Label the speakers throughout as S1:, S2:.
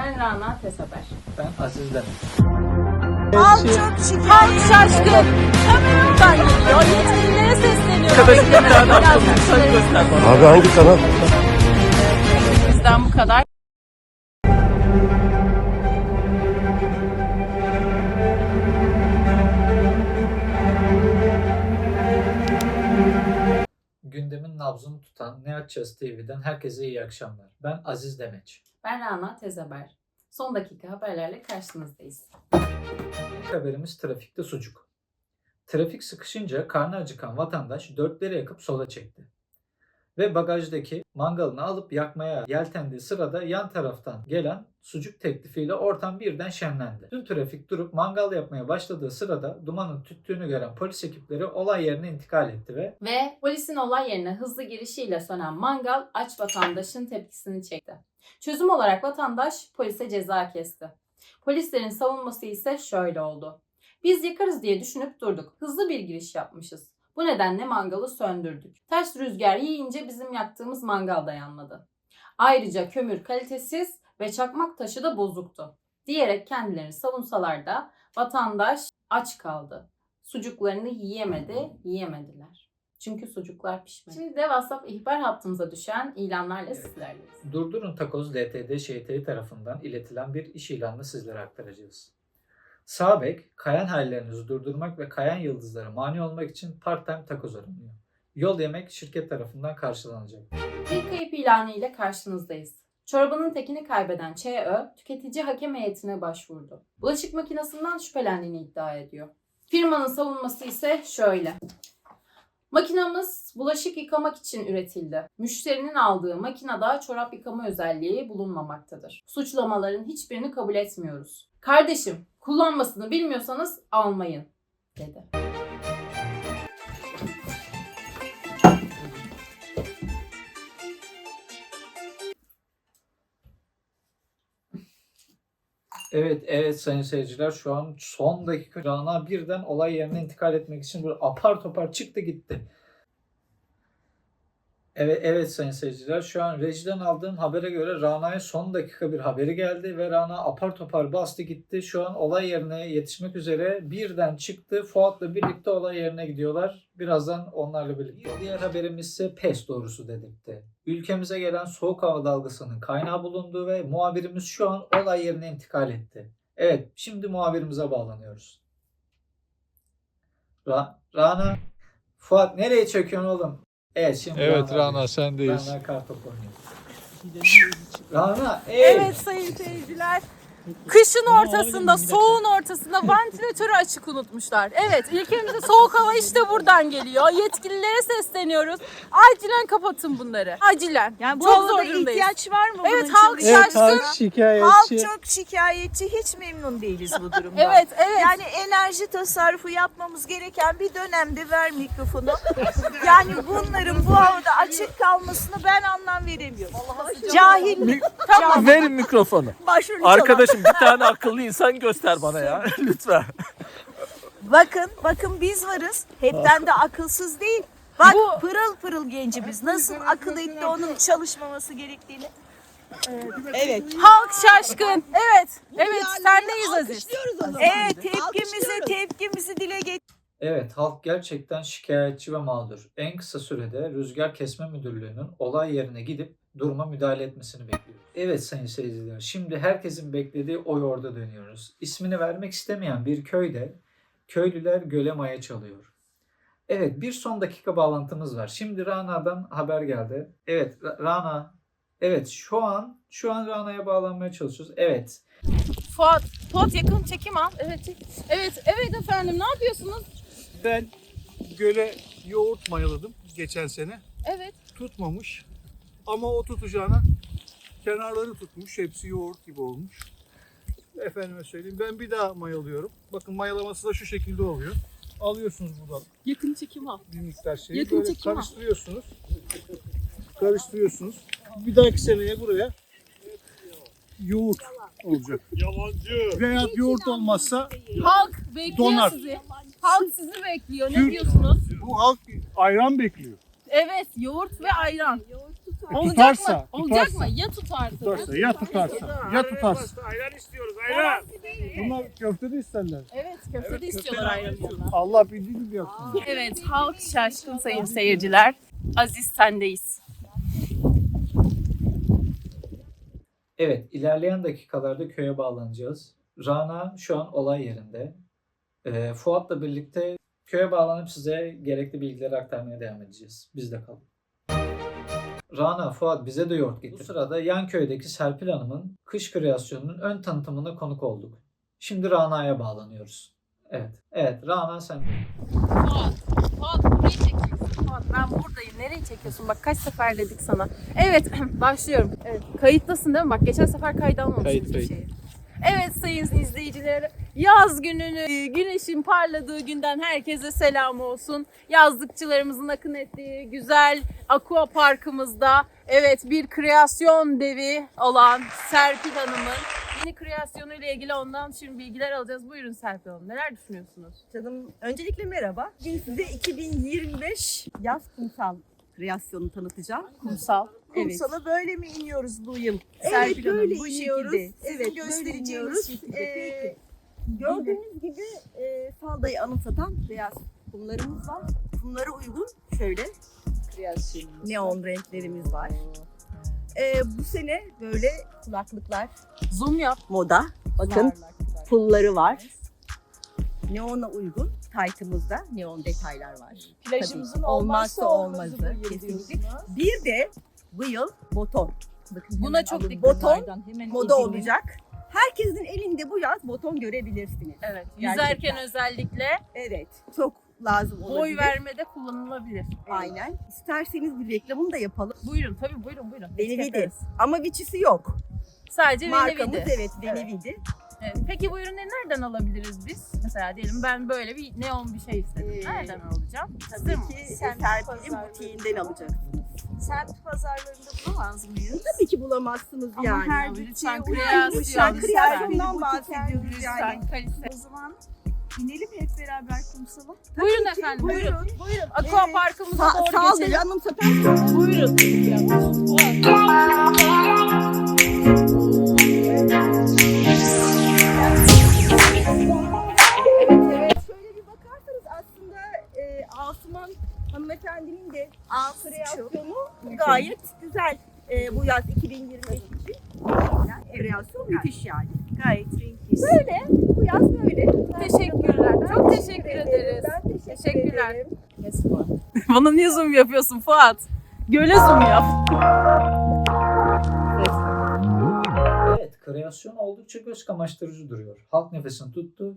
S1: Ben Rana Tesaber.
S2: Ben Aziz Demet.
S3: Halk çok şikayet. Halk şaşkın. Kameradan geliyor. Yetkililere sesleniyor.
S4: Abi hangi kanal?
S1: Bizden bu kadar.
S2: Gündemin nabzını tutan Ne Açacağız TV'den herkese iyi akşamlar. Ben Aziz Demet.
S1: Ben Rana Tesaber. Son dakika haberlerle karşınızdayız.
S2: İlk haberimiz trafikte sucuk. Trafik sıkışınca karnı acıkan vatandaş dörtleri yakıp sola çekti. Ve bagajdaki mangalını alıp yakmaya yeltendiği sırada yan taraftan gelen sucuk teklifiyle ortam birden şenlendi. Tüm trafik durup mangal yapmaya başladığı sırada dumanın tüttüğünü gören polis ekipleri olay yerine intikal etti
S1: Ve polisin olay yerine hızlı girişiyle sönen mangal aç vatandaşın tepkisini çekti. Çözüm olarak vatandaş polise ceza kesti. Polislerin savunması ise şöyle oldu. Biz yakarız diye düşünüp durduk. Hızlı bir giriş yapmışız. Bu nedenle mangalı söndürdük. Ters rüzgar yiyince bizim yaktığımız mangal da yanmadı. Ayrıca kömür kalitesiz ve çakmak taşı da bozuktu. Diyerek kendilerini savunsalar da vatandaş aç kaldı. Sucuklarını yiyemediler. Çünkü sucuklar pişmedi. Şimdi de WhatsApp ihbar hattımıza düşen ilanlarla sizlerleyiz.
S2: Durdurun Takoz LTD ŞTİ tarafından iletilen bir iş ilanını sizlere aktaracağız. Sağ bek, kayan hallerinizi durdurmak ve kayan yıldızlara mani olmak için part-time takoz aranıyor. Yol yemek şirket tarafından karşılanacak.
S1: Bir kayıp ilanı ile karşınızdayız. Çorbanın tekini kaybeden ÇÖ, tüketici hakem heyetine başvurdu. Bulaşık makinesinden şüphelendiğini iddia ediyor. Firmanın savunması ise şöyle. Makinamız bulaşık yıkamak için üretildi. Müşterinin aldığı makinede çorap yıkama özelliği bulunmamaktadır. Suçlamaların hiçbirini kabul etmiyoruz. Kardeşim, kullanmasını bilmiyorsanız almayın, dedi.
S2: Evet sayın seyirciler, şu an son dakika Rana birden olay yerine intikal etmek için böyle apar topar çıktı gitti. Evet sayın seyirciler, şu an rejiden aldığım habere göre Rana'ya son dakika bir haberi geldi ve Rana apar topar bastı gitti. Şu an olay yerine yetişmek üzere birden çıktı. Fuat'la birlikte olay yerine gidiyorlar. Birazdan onlarla birlikte. Diğer haberimiz ise pes doğrusu dedirtti. Ülkemize gelen soğuk hava dalgasının kaynağı bulundu ve muhabirimiz şu an olay yerine intikal etti. Evet, şimdi muhabirimize bağlanıyoruz. Rana, Fuat nereye çekiyorsun oğlum? Evet, şimdi
S4: Evet Rana sendeyiz.
S2: Rana kartopu oynuyor. Rana,
S3: Evet sayın seyirciler. Kışın ortasında, soğuğun ortasında vantilatörü açık unutmuşlar. Evet, ülkemize soğuk hava işte buradan geliyor. Yetkililere sesleniyoruz. Acilen kapatın bunları. Acilen.
S5: Yani bu
S3: Çok
S5: havada
S3: zorundayız.
S5: ihtiyaç var mı?
S3: Evet,
S5: bunun
S3: halk
S5: için?
S3: şaşkın.
S4: halk şikayetçi.
S5: Halk çok şikayetçi, hiç memnun değiliz bu durumdan.
S3: Evet.
S5: Yani enerji tasarrufu yapmamız gereken bir dönemde ver mikrofonu. Yani bunların bu havada açık kalmasını ben anlam veremiyorum. Cahil.
S3: Tamam.
S6: Verin mikrofonu.
S5: Başrolü çalan.
S6: Arkadaşım bir tane akıllı insan göster bana ya. Lütfen.
S5: Bakın biz varız. Hepten de akılsız değil. Bak pırıl pırıl gencimiz. Nasıl akıl etti onun çalışmaması gerektiğini. Evet.
S3: Halk şaşkın. Evet, sendeyiz Aziz.
S5: Evet, tepkimizi dile getir.
S2: Evet, halk gerçekten şikayetçi ve mağdur. En kısa sürede Rüzgar Kesme Müdürlüğü'nün olay yerine gidip duruma müdahale etmesini bekliyoruz. Evet sayın seyirciler, şimdi herkesin beklediği o yorda dönüyoruz. İsmini vermek istemeyen bir köyde köylüler göle maya çalıyor. Evet, bir son dakika bağlantımız var. Şimdi Rana'dan haber geldi. Evet Rana, evet şu an Rana'ya bağlanmaya çalışıyoruz. Evet.
S3: Fuat yakın çekim al. Evet efendim, ne yapıyorsunuz?
S4: Ben göle yoğurt mayaladım geçen sene.
S3: Evet.
S4: Tutmamış. Ama o tutacağına kenarları tutmuş. Hepsi yoğurt gibi olmuş. Efendime söyleyeyim. Ben bir daha mayalıyorum. Bakın mayalaması da şu şekilde oluyor. Alıyorsunuz buradan
S3: Yakın çekim al.
S4: bir miktar şeyi.
S3: Yakın
S4: Böyle
S3: çekim al.
S4: Karıştırıyorsunuz. Bir dahaki seneye buraya yoğurt olacak. Yalancı. Veya yoğurt olmazsa
S3: Halk bekliyor
S4: Donar.
S3: sizi. Halk sizi bekliyor. Ne
S4: Türk-
S3: diyorsunuz?
S4: bu halk ayran bekliyor.
S3: Evet, yoğurt ve ayran. Olacak
S4: Tutarsa,
S3: mı? Olacak
S4: tutarsa.
S3: mı? Ya tutarsa?
S4: Tutarsa, ya tutarsa, ya tutarsa.
S6: Ayran istiyoruz ayran.
S4: Bunlar köfte de isterler.
S3: Evet, köfte de istiyorlar ayranlarına.
S4: Allah bildiği gibi yapsın.
S3: Evet, halk şaşkın sayın seyirciler. Aziz sendeyiz.
S2: Evet, ilerleyen dakikalarda köye bağlanacağız. Rana şu an olay yerinde. Fuat'la birlikte köye bağlanıp size gerekli bilgileri aktarmaya devam edeceğiz. Bizde kalın. Rana, Fuat bize de yoğurt getir. Bu sırada yan köydeki Serpil Hanım'ın kış kreasyonunun ön tanıtımına konuk olduk. Şimdi Rana'ya bağlanıyoruz. Evet, Rana sen de.
S3: Fuat burayı çekiyorsun. Fuat ben buradayım. Nereye çekiyorsun? Bak kaç sefer dedik sana. Evet, başlıyorum. Evet, kayıttasın değil mi? Bak geçen sefer kayıt almamışsın bir şeyi. Evet sayın izleyiciler, yaz gününü, güneşin parladığı günden herkese selam olsun. Yazlıkçılarımızın akın ettiği güzel aqua parkımızda evet bir kreasyon devi olan Serpil Hanım'ın yeni kreasyonuyla ilgili ondan şimdi bilgiler alacağız. Buyurun Serpil Hanım, neler düşünüyorsunuz?
S7: Canım öncelikle merhaba. Bugün size 2025 yaz kumsal kreasyonunu tanıtacağım.
S3: Kumsal.
S7: Evet.
S5: Kumsala böyle mi iniyoruz bu yıl?
S3: Serpil
S7: Evet,
S3: Hanım,
S7: böyle
S3: bu
S7: iniyoruz.
S3: şekilde.
S7: Evet, böyle
S5: göstereceğiniz
S7: iniyoruz.
S5: şekilde.
S7: Peki. Gördüğünüz gibi faldayı anımsatan beyaz kumlarımız var. Kumlara uygun şöyle neon renklerimiz var. Bu sene böyle kulaklıklar
S3: Zoom yap.
S7: moda. Bakın pulları var. Neona uygun taytımızda neon detaylar var.
S5: Plajımızın
S7: Tabii,
S5: olmazsa olmazı bu yıl
S7: kesinlikle.
S5: diyorsunuz.
S7: Bir de bu yıl boton. Bakın
S3: Buna
S7: hemen
S3: çok
S7: alın.
S3: dikkat
S7: boton moda olacak. Herkesin elinde bu yaz boton görebilirsiniz.
S3: Evet,
S7: Gerçekten.
S3: yüzerken özellikle
S7: Evet, çok lazım olabilir.
S3: boy vermede kullanılabilir.
S7: Aynen. İsterseniz bir reklamını da yapalım.
S3: Buyurun, tabii buyurun.
S7: Benevidi.
S3: Yaparız.
S7: Ama viçisi yok.
S3: Sadece
S7: Markamız
S3: Benevidi.
S7: evet Benevidi.
S3: Evet. Peki bu ürünleri nereden alabiliriz biz? Mesela diyelim ben böyle bir neon bir şey istedim. Nereden alacağım? Hazır
S7: Tabii
S3: mı?
S7: ki
S5: Semt
S7: Serpil'in
S5: pazarları.
S7: butiğinden alacaksınız.
S5: Semt pazarlarında bulamaz mıyız?
S7: Tabii ki bulamazsınız
S3: Ama
S7: yani.
S3: her
S7: Bütçeye
S3: lütfen
S7: uygun
S3: kreasyon,
S7: lütfen kreasyondan
S3: lütfen.
S7: bahsediyoruz yani.
S3: Lütfen kalite.
S5: O zaman inelim hep beraber kumsala.
S3: Buyurun
S7: ki,
S3: efendim,
S7: buyurun.
S3: buyurun. Aqua Parkımıza doğru
S7: Saldırı
S3: geçelim.
S7: anımsatan
S3: Buyurun.
S7: Evet. Şöyle bir bakarsanız aslında Asuman hanımefendinin de kreasyonu gayet güzel. Bu yaz 2025 için kreasyon müthiş yani.
S5: Gayet renkli.
S7: Böyle, bu yaz böyle.
S3: Teşekkürler. Çok teşekkür ederiz.
S7: Ben
S3: Teşekkürler.
S7: ederim.
S3: Bana niye zoom yapıyorsun Fuat? Göle zoom yap.
S2: Evet, kreasyon oldukça göz kamaştırıcı duruyor. Halk nefesini tuttu.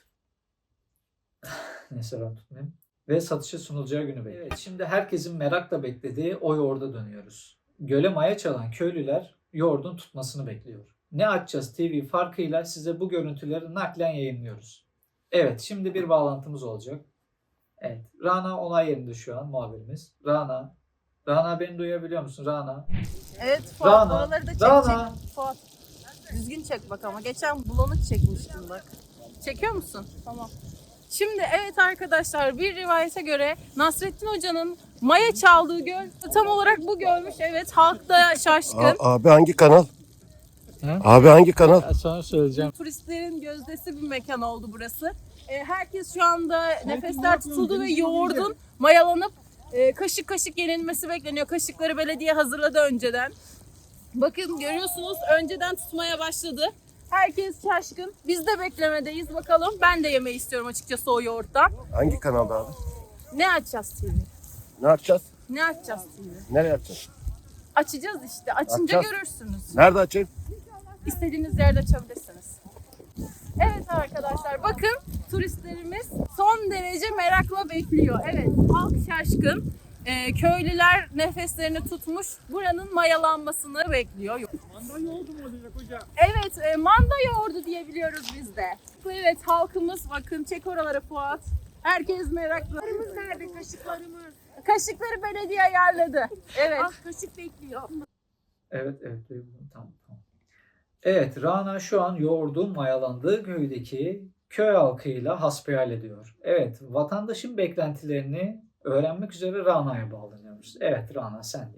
S2: Neyse ben tutmayayım. Ve satışa sunulacağı günü bekliyor. Evet, şimdi herkesin merakla beklediği o yoğurda dönüyoruz. Göle maya çalan köylüler yoğurdun tutmasını bekliyor. Ne Açacağız TV farkıyla size bu görüntüleri naklen yayınlıyoruz. Evet, şimdi bir bağlantımız olacak. Evet, Rana olay yerinde şu an muhabirimiz. Rana beni duyabiliyor musun Rana?
S3: Evet Fuat,
S2: Rana,
S3: oraları da çek.
S2: Rana.
S3: Fuat, düzgün çek bak ama. Geçen bulanık çekmiştim bak. Çekiyor musun? Tamam. Şimdi evet arkadaşlar, bir rivayete göre Nasrettin Hoca'nın maya çaldığı göl tam olarak bu gölmüş. Evet, halk da şaşkın.
S8: Abi hangi kanal?
S2: Ha?
S8: Abi hangi kanal?
S2: Sana söyleyeceğim.
S3: Turistlerin gözdesi bir mekan oldu burası. Herkes şu anda nefesler tutuldu ve yoğurdun mayalanıp kaşık kaşık yenilmesi bekleniyor. Kaşıkları belediye hazırladı önceden. Bakın görüyorsunuz, önceden tutmaya başladı. Herkes şaşkın. Biz de beklemedeyiz bakalım. Ben de yemeyi istiyorum açıkçası o yoğurttan.
S8: Hangi kanalda abi?
S3: Ne açacağız TV?
S8: Ne yapacağız?
S3: Ne açacağız TV?
S8: Nereye açacağız?
S3: Açacağız işte. Açınca
S8: Açacağız.
S3: görürsünüz.
S8: Nerede açayım?
S3: İstediğiniz yerde açabilirsiniz. Evet arkadaşlar, bakın turistlerimiz son derece merakla bekliyor. Evet, halk şaşkın. Köylüler nefeslerini tutmuş. Buranın mayalanmasını bekliyor.
S4: Manda yoğurdu mu olacak hocam?
S3: Evet, manda yoğurdu diyebiliyoruz biz de. Evet, halkımız bakın, çek oraları Fuat. Herkes meraklı.
S5: Kaşıklarımız nerede? Kaşıklarımız.
S3: Kaşıkları belediye ayarladı. Evet.
S5: Ah kaşık bekliyor.
S2: Evet, duydum. Tamam. Evet, Rana şu an yoğurdun mayalandığı köydeki köy halkıyla hasbihal ediyor. Evet, vatandaşın beklentilerini öğrenmek üzere Rana'ya bağlanıyoruz. Evet, Rana sendeyiz.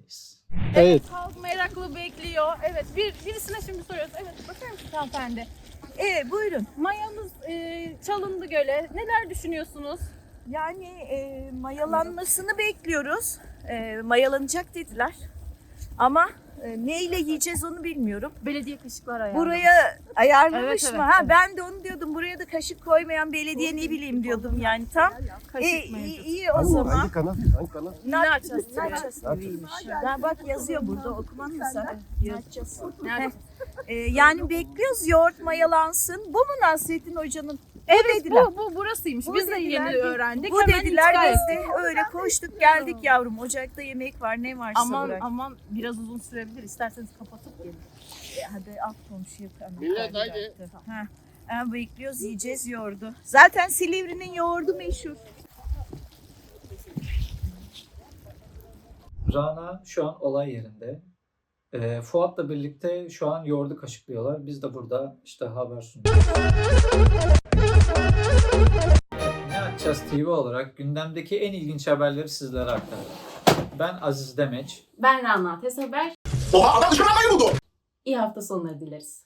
S4: Evet.
S3: Halk meraklı bekliyor. Evet, birisine şimdi soruyoruz. Evet, bakar mısınız hanımefendi?
S5: Buyurun.
S3: Mayamız çalındı göle. Neler düşünüyorsunuz?
S5: Yani mayalanmasını bekliyoruz. Mayalanacak dediler. Ama neyle yiyeceğiz onu bilmiyorum.
S3: Belediye kaşıklar ayarlamış.
S5: Buraya ayarlamış
S3: Evet,
S5: mı?
S3: evet,
S5: Ha
S3: evet.
S5: ben de onu diyordum. Buraya da kaşık koymayan belediye ne bileyim diyordum yani tam.
S3: Kaşık mevcut.
S5: İyi o zaman.
S8: Hangi kanal? Hangi kanal?
S3: Ne açacağız?
S5: Ne açacağız? Ben bak yazıyor burada. Okuman mı sana? Ne açacağız? Yani bekliyoruz yoğurt mayalansın. Bu mu Nasrettin Hoca'nın? Evet dediler.
S3: Bu burasıymış.
S5: Bu
S3: Biz de
S5: dediler,
S3: yeni öğrendik.
S5: Bu
S3: Hemen
S5: dediler
S3: intikal
S5: biz
S3: ettik.
S5: de öyle koştuk geldik yavrum. Ocakta yemek var ne varsa
S3: Aman
S5: bırak.
S3: aman biraz uzun sürebilir. İsterseniz kapatıp gelin.
S5: Hadi alt komşuya hemen.
S8: Millet, haydi.
S5: Bekliyoruz yiyeceğiz yoğurdu. Zaten Silivri'nin yoğurdu meşhur.
S2: Rana şu an olay yerinde. Fuat'la birlikte şu an yoğurdu kaşıklıyorlar. Biz de burada işte haber sunuyoruz. Ne açacağız TV olarak gündemdeki en ilginç haberleri sizlere aktarıyorum. Ben Aziz Demeç.
S1: Ben Rana Teseber.
S8: Oha adam dışarıdan buldu.
S1: İyi hafta sonları dileriz.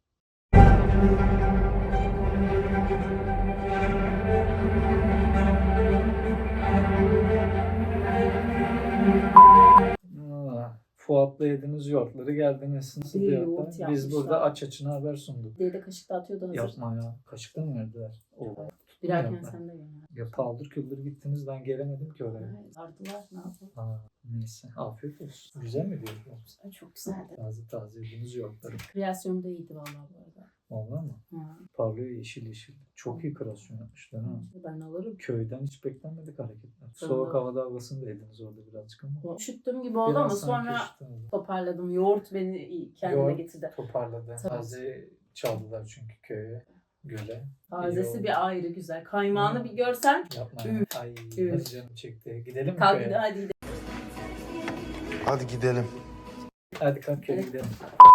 S2: Fuat'la yediğiniz yoğurtları geldiniz. Nasıl
S1: Bir
S2: diyor?
S1: yoğurt
S2: Biz
S1: yapmışlar.
S2: burada aç açına haber sunduk.
S1: Diye de kaşık da atıyordu hazır.
S2: Yapma ya. Kaşıkla mı verdiler?
S1: Bir erken
S2: Yapma.
S1: sen de gel.
S2: Ya paldır küldür gittiniz ben gelemedim ki oraya.
S1: Evet, ardılar ne yapalım?
S2: Ha, neyse. Afiyet olsun. Güzel mi diyorsunuz?
S1: Ay, çok güzeldi.
S2: Taze taze yediğiniz yoğurtları.
S1: Kreasyonu da iyiydi vallahi bu arada.
S2: Vallahi mı?
S1: Ha.
S2: Parlıyor yeşil yeşil. Çok iyi kreasyon yapmışlar ha.
S1: Ben alırım.
S2: Köyden hiç beklenmedik hareketler.
S1: Tabii.
S2: Soğuk havada havasını da yediniz orada birazcık ama.
S1: Üşüttüm gibi oldu ama
S2: Biraz sanki
S1: sonra
S2: üşüttünüz.
S1: toparladım. Yoğurt beni kendime
S2: Yoğurt
S1: getirdi.
S2: toparladı.
S1: Tabii.
S2: Taze çaldılar çünkü köye, göle.
S1: Tazesi
S2: oldu.
S1: bir ayrı güzel. Kaymağını
S2: Hı.
S1: bir görsen
S2: Yapma ya. Ay
S1: Üf.
S2: nasıl canım çekti. Gidelim mi
S1: kalk
S2: köye?
S1: hadi gidelim.
S8: Hadi gidelim.
S2: Hadi kalk köye
S1: Evet.
S2: gidelim.